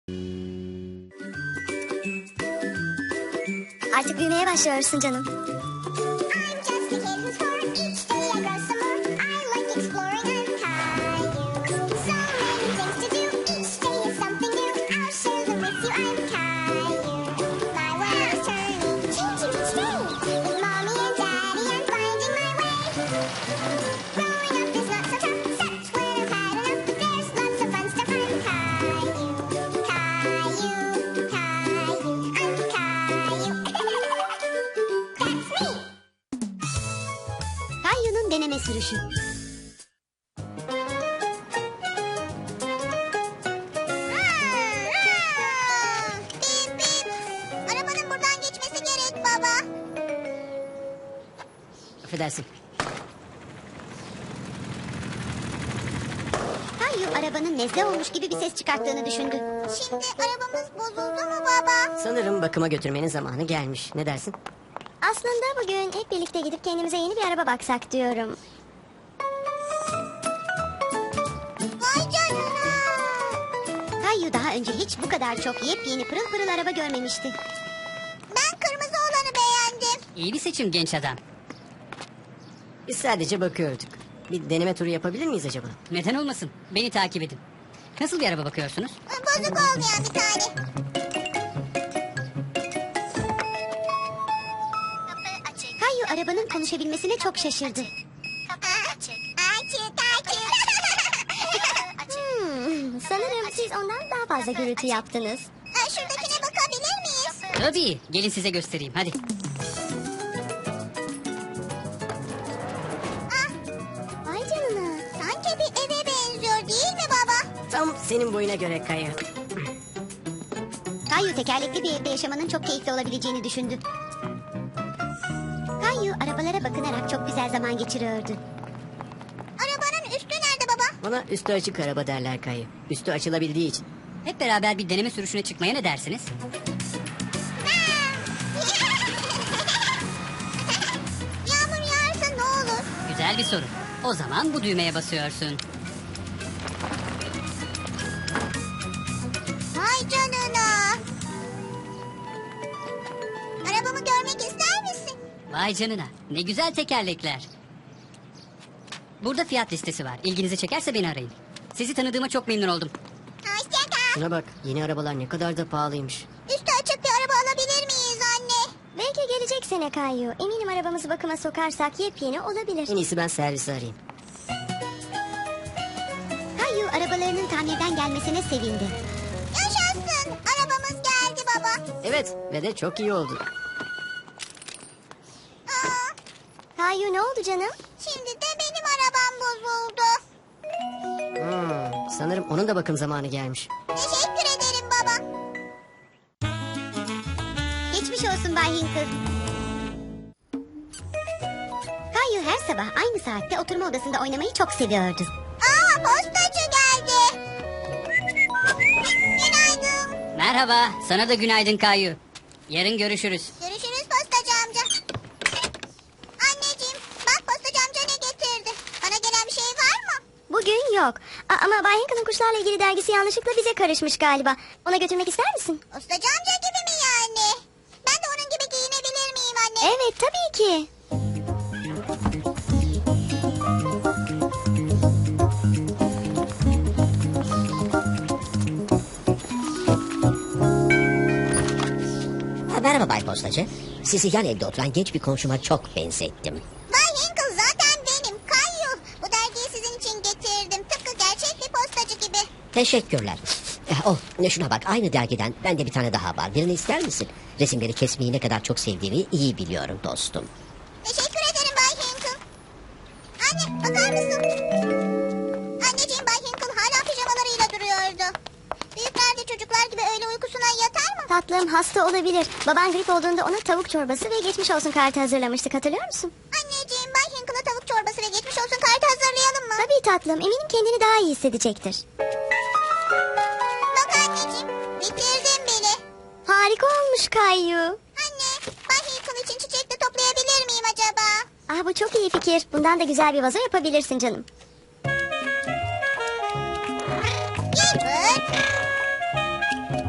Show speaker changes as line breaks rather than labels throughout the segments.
Artık büyümeye başlıyorsun canım. Kayu'nun deneme sürüşü.
Bip bip. Arabanın buradan geçmesi gerek baba.
Affedersin.
Kayu arabanın nezle olmuş gibi bir ses çıkarttığını düşündü.
Şimdi arabamız bozuldu mu baba?
Sanırım bakıma götürmenin zamanı gelmiş. Ne dersin?
Aslında bugün hep birlikte gidip kendimize yeni bir araba baksak diyorum.
Vay canına.
Kayu daha önce hiç bu kadar çok yepyeni pırıl pırıl araba görmemişti.
Ben kırmızı olanı beğendim.
İyi bir seçim genç adam. Biz sadece bakıyorduk. Bir deneme turu yapabilir miyiz acaba? Neden olmasın? Beni takip edin. Nasıl bir araba bakıyorsunuz?
Bozuk olmayan bir tane. Kapı açık.
Kayu arabanın konuşabilmesine çok şaşırdı.
Kapı açık. Açık açık.
Sanırım siz ondan daha fazla gürültü yaptınız.
Şuradakine bakabilir miyiz?
Tabii. Gelin size göstereyim. Hadi.
Vay canına.
Sanki bir eve benziyor değil mi baba?
Tam senin boyuna göre Kaya.
Kayu tekerlekli bir evde yaşamanın çok keyifli olabileceğini düşündü. Kayu arabalara bakınarak çok güzel zaman geçiriyordu.
Arabanın üstü nerede baba?
Ona üstü açık araba derler Kaya. Üstü açılabildiği için. Hep beraber bir deneme sürüşüne çıkmaya ne dersiniz?
Yağmur yağarsa ne olur?
Güzel bir soru. O zaman bu düğmeye basıyorsun.
Vay canına. Arabamı görmek ister misin?
Vay canına. Ne güzel tekerlekler. Burada fiyat listesi var. İlginizi çekerse beni arayın. Sizi tanıdığıma çok memnun oldum.
Hoşça kal.
Şuna bak. Yeni arabalar ne kadar da pahalıymış.
Üstü açık bir araba alabilir miyiz anne?
Belki gelecek sene Kayu. Eminim arabamızı bakıma sokarsak yepyeni olabilir.
En iyisi ben servisi arayayım.
Kayu arabalarının tamirden gelmesine sevindi.
Yaşasın. Arabamız geldi baba.
Evet ve de çok iyi oldu.
Aa,
Kayu ne oldu canım?
şimdi de benim arabam bozuldu.
Sanırım onun da bakım zamanı gelmiş.
Teşekkür ederim baba.
Geçmiş olsun Bay Hinkle. Kayu her sabah aynı saatte oturma odasında oynamayı çok seviyordu.
Aa, postacı geldi. Günaydın.
Merhaba. Sana da günaydın Kayu. Yarın görüşürüz.
Görüşürüz postacı amca. Anneciğim, bak postacı amca ne getirdi. Bana gelen bir şey var mı?
Bugün yok. Ama Bay Hinkle'ın kuşlarla ilgili dergisi yanlışlıkla bize karışmış galiba. Ona götürmek ister misin?
Postacı amca gibi mi yani? Ben de onun gibi giyinebilir miyim anne?
Evet tabii ki.
Merhaba Bay Postacı. Sizi yan evde oturan genç bir komşuma çok benzettim.
Bay Hinkle zaten benim. Kayu. Bu dergiyi sizin için getirdim. Tıpkı gerçek bir postacı gibi.
Teşekkürler. Şuna bak, aynı dergiden bende bir tane daha var. Birini ister misin? Resimleri kesmeyi ne kadar çok sevdiğini iyi biliyorum dostum.
Teşekkür ederim Bay Hinkle. Anne, bakar mısın? Anneciğim, Bay Hinkle hala pijamalarıyla duruyordu. Büyükler de çocuklar gibi öğle uykusuna yatar mı?
Tatlım hasta olabilir. Baban grip olduğunda ona tavuk çorbası ve geçmiş olsun kartı hazırlamıştık, hatırlıyor musun?
Anneciğim, Bay Hinkle'a tavuk çorbası ve geçmiş olsun kartı hazırlayalım mı?
Tabii tatlım, eminim kendini daha iyi hissedecektir.
Bak anneciğim, bitirdim bile.
Harika olmuş Kayu.
Anne, Bay Hinkle için çiçek de toplayabilir miyim acaba?
Bu çok iyi fikir. Bundan da güzel bir vazo yapabilirsin canım.
Gilbert.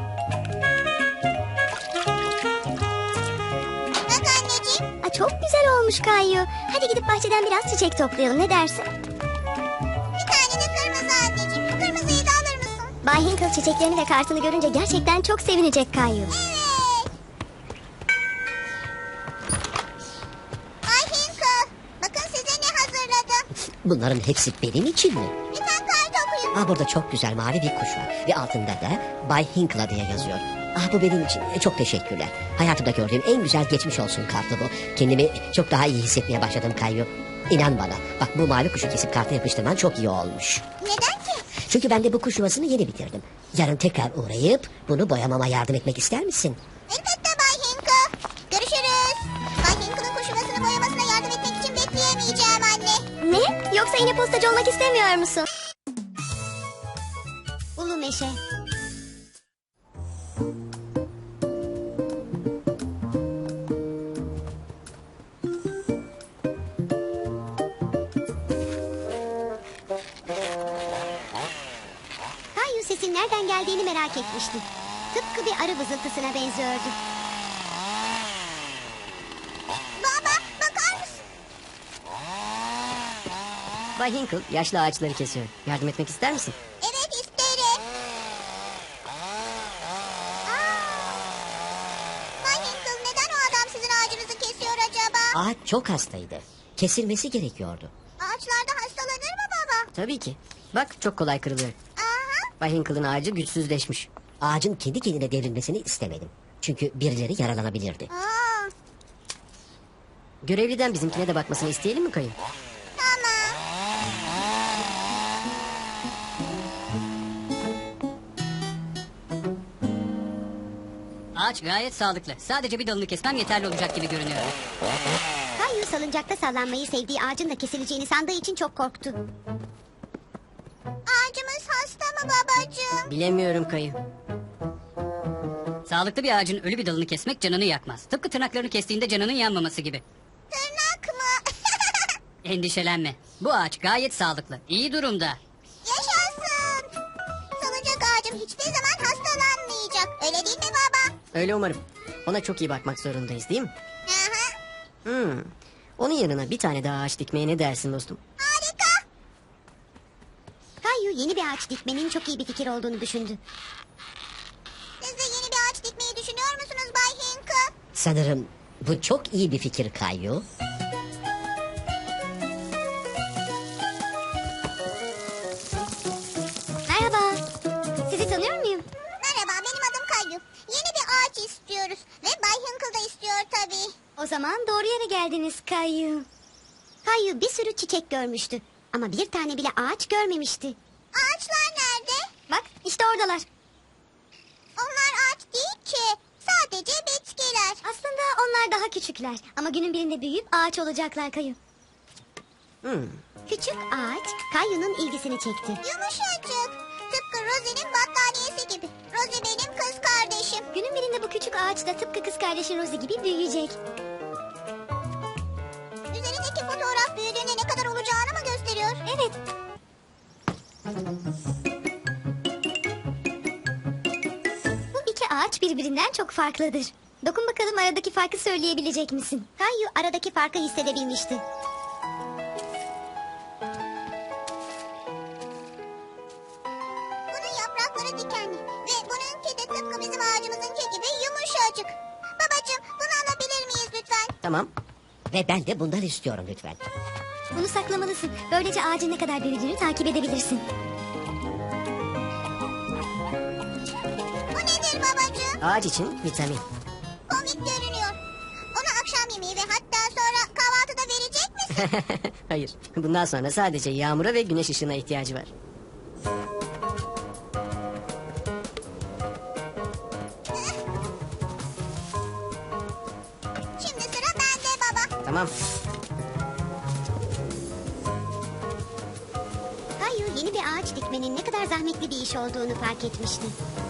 çok güzel olmuş Kayu. Hadi gidip bahçeden biraz çiçek toplayalım, ne dersin?
Bir tane de kırmızı anneciğim. Kırmızıyı da alır mısın?
Bay Hinkle çiçeklerini ve kartını görünce gerçekten çok sevinecek Kayu.
Evet. Bay Hinkle, bakın size ne hazırladım.
Bunların hepsi benim için mi?
Lütfen kart okuyun.
Aa, burada çok güzel mavi bir kuş var. Ve altında da Bay Hinkle diye yazıyor. Ah, bu benim için. Çok teşekkürler. Hayatımda gördüğüm en güzel geçmiş olsun kartı bu. Kendimi çok daha iyi hissetmeye başladım Kayu. İnan bana. Bak, bu mavi kuşu kesip karta yapıştırman çok iyi olmuş.
Neden ki?
Çünkü ben de bu kuş yuvasını yeni bitirdim. Yarın tekrar uğrayıp bunu boyamama yardım etmek ister misin?
Elbette Bay Hinkle. Görüşürüz. Bay Hinkle'ın kuş yuvasını boyamasına yardım etmek için bekleyemeyeceğim anne.
Ne? Yoksa yine postacı olmak istemiyor musun? Ulu Meşe. Kayu sesin nereden geldiğini merak etmişti. Tıpkı bir arı vızıltısına benziyordu.
Baba, bakar mısın?
Bay Hinkle yaşlı ağaçları kesiyor. Yardım etmek ister misin?
Evet, isterim. Bay Hinkle, neden o adam sizin ağacınızı kesiyor acaba?
Ağaç çok hastaydı. Kesilmesi gerekiyordu.
Ağaçlarda hastalanır mı baba?
Tabii ki. Bak, çok kolay kırılıyor.
Aha.
Bay Hinkle'ın ağacı güçsüzleşmiş.
Ağacın kendi kendine devrilmesini istemedim. Çünkü birileri yaralanabilirdi.
Aa,
Görevliden bizimkine de bakmasını isteyelim mi Kayu?
tamam.
Ağaç gayet sağlıklı. Sadece bir dalını kesmem yeterli olacak gibi görünüyor.
Kayu salıncakta sallanmayı sevdiği ağacın da kesileceğini sandığı için çok korktu.
Ağacımız hasta mı babacığım?
Bilemiyorum Kayu. Sağlıklı bir ağacın ölü bir dalını kesmek canını yakmaz. Tıpkı tırnaklarını kestiğinde canının yanmaması gibi.
Tırnak mı?
Endişelenme. Bu ağaç gayet sağlıklı. İyi durumda.
Yaşasın. Salıncak ağacım hiçbir zaman hastalanmayacak. Öyle değil mi baba?
Öyle umarım. Ona çok iyi bakmak zorundayız, değil mi?
Aha.
Onun yanına bir tane daha ağaç dikmeye ne dersin dostum?
Harika.
Kayu yeni bir ağaç dikmenin çok iyi bir fikir olduğunu düşündü.
Siz de yeni bir ağaç dikmeyi düşünüyor musunuz Bay Hinkle?
Sanırım bu çok iyi bir fikir Kayu.
Merhaba. Sizi tanıyor muyum?
Merhaba, benim adım Kayu. Yeni bir ağaç istiyoruz. Ve Bay Hinkle da istiyor tabii.
O zaman doğru yere geldiniz Kayu. Kayu bir sürü çiçek görmüştü. Ama bir tane bile ağaç görmemişti.
Ağaçlar nerede?
Bak işte oradalar.
Onlar ağaç değil ki. Sadece bitkiler.
Aslında onlar daha küçükler. Ama günün birinde büyüyüp ağaç olacaklar Kayu. Küçük ağaç Kayu'nun ilgisini çekti.
Yumuşacık. Tıpkı Rosie'nin battaniyesi gibi. Rosie benim kız kardeşim.
Günün birinde bu küçük ağaç da tıpkı kız kardeşi Rosie gibi büyüyecek.
Üzerindeki fotoğraf büyüdüğünde ne kadar olacağını mı gösteriyor?
Evet. Bu iki ağaç birbirinden çok farklıdır. Dokun bakalım aradaki farkı söyleyebilecek misin? Kayu aradaki farkı hissedebilmişti.
Bunun yaprakları dikenli. Ve bununki de tıpkı bizim ağacımızınki gibi yumuşacık. Babacığım, bunu alabilir miyiz lütfen?
Tamam.
Ve ben de bundan istiyorum lütfen.
Bunu saklamalısın. Böylece ağacın ne kadar büyüdüğünü takip edebilirsin.
Bu nedir babacığım?
Ağaç için vitamin.
Komik görünüyor. Ona akşam yemeği ve hatta sonra kahvaltıda verecek misin?
Hayır. Bundan sonra sadece yağmura ve güneş ışığına ihtiyacı var.
Şimdi sıra bende baba.
Tamam.
Kayu yeni bir ağaç dikmenin ne kadar zahmetli bir iş olduğunu fark etmişti.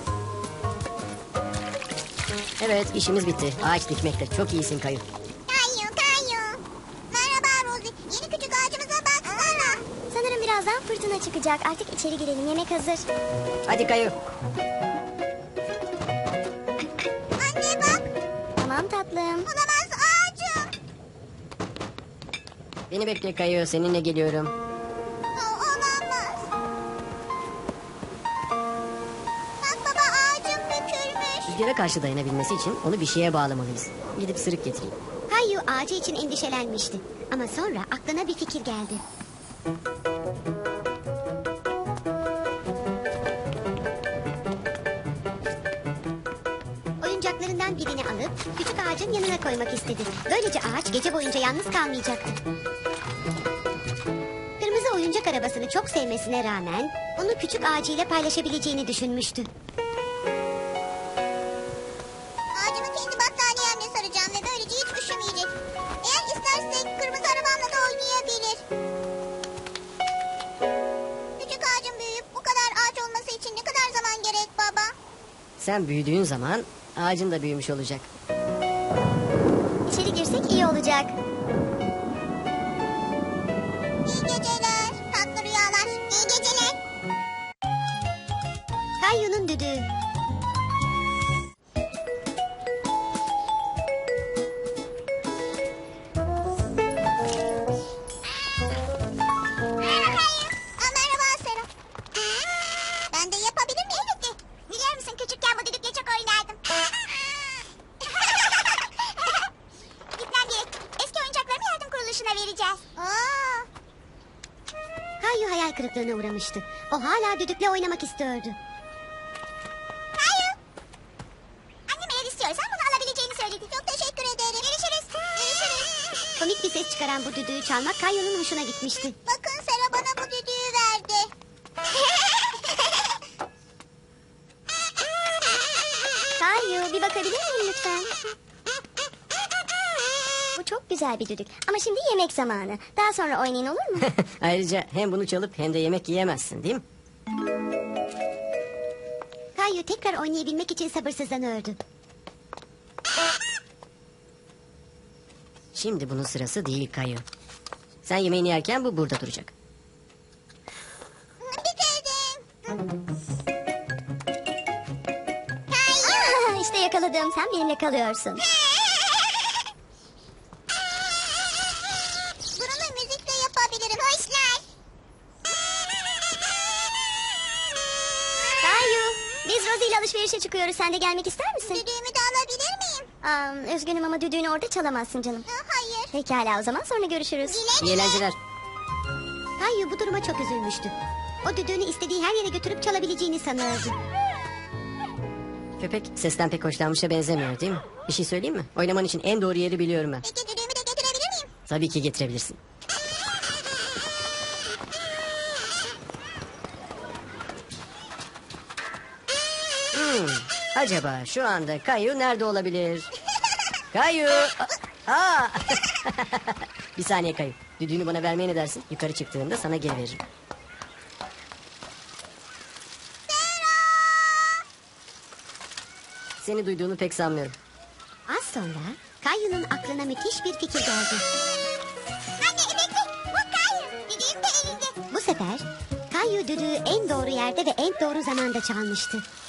Evet, işimiz bitti. Ağaç dikmekte çok iyisin Kayu.
Kayu kayu. Merhaba Rosie. Yeni küçük ağacımıza baksana.
Sanırım birazdan fırtına çıkacak. Artık içeri girelim. Yemek hazır.
Hadi Kayu.
Anne bak.
Tamam tatlım.
Olamaz ağacım.
Beni bekle Kayu, seninle geliyorum.
Olamaz. Bak baba, ağacım bükülmüş.
Rüzgara karşı dayanabilmesi için onu bir şeye bağlamalıyız. Gidip sırık getireyim.
Kayu ağacı için endişelenmişti. Ama sonra aklına bir fikir geldi. Oyuncaklarından birini alıp küçük ağacın yanına koymak istedi. Böylece ağaç gece boyunca yalnız kalmayacaktı. Kırmızı oyuncak arabasını çok sevmesine rağmen onu küçük ağacıyla paylaşabileceğini düşünmüştü.
Ağacımı kendi battaniyemle saracağım ve böylece hiç üşümeyecek. Eğer isterse kırmızı arabamla da oynayabilir. Küçük ağacın büyüyüp bu kadar ağaç olması için ne kadar zaman gerek baba?
Sen büyüdüğün zaman ağacın da büyümüş olacak.
İçeri girsek iyi olacak.
İyi geceler, tatlı rüyalar. İyi geceler.
Kayu'nun düdüğü.
Merhaba Sera. Ben de yapabilir miyim? Elbette. Biliyor musun, küçükken bu düdükle çok oynardım. Gitmem gerek. Eski oyuncaklarımı yardım kuruluşuna vereceğiz.
Kayu hayal kırıklığına uğramıştı. O hala düdükle oynamak istiyordu.
Hayır. Annem eğer istiyorsan bunu alabileceğini söyledi. Çok teşekkür ederim. Görüşürüz. Görüşürüz.
Komik bir ses çıkaran bu düdüğü çalmak Kayu'nun hoşuna gitmişti.
Bakın, Sera bana bu düdüğü verdi.
Kayu bir bakabilir miyim lütfen? Bu çok güzel bir düdük. Ama şimdi yemek zamanı. Daha sonra oynayın, olur mu?
Ayrıca hem bunu çalıp hem de yemek yiyemezsin değil mi?
Kayu tekrar oynayabilmek için sabırsızlanıyordu.
Şimdi bunun sırası değil Kayu. Sen yemeğini yerken bu burada duracak.
Bitirdim.
İşte yakaladım. Sen benimle kalıyorsun.
Bunu müzikle yapabilirim. Hoşlar.
Kayu, biz Rosie ile alışverişe çıkıyoruz. Sen de gelmek ister misin?
Düdüğümü de alabilir miyim?
Üzgünüm ama düdüğünü orada çalamazsın canım.
Hayır.
Pekala, o zaman sonra görüşürüz.
İyi eğlenceler.
Kayu bu duruma çok üzülmüştü. O düdüğünü istediği her yere götürüp çalabileceğini sanıyordu.
Köpek sesten pek hoşlanmışa benzemiyor değil mi? Bir şey söyleyeyim mi? Oynaman için en doğru yeri biliyorum ben.
Peki düdüğümü de getirebilir miyim?
Tabii ki getirebilirsin. Acaba şu anda Kayu nerede olabilir? Kayu! Aa! Bir saniye Kayu. Düdüğünü bana vermeye ne dersin? Yukarı çıktığında sana geri veririm. Seni duyduğunu pek sanmıyorum.
Az sonra Kayu'nun aklına müthiş bir fikir geldi.
Anne bekle. Bu Kayu. Düdüğüm de elinde.
Bu sefer Kayu düdüğü en doğru yerde ve en doğru zamanda çalmıştı.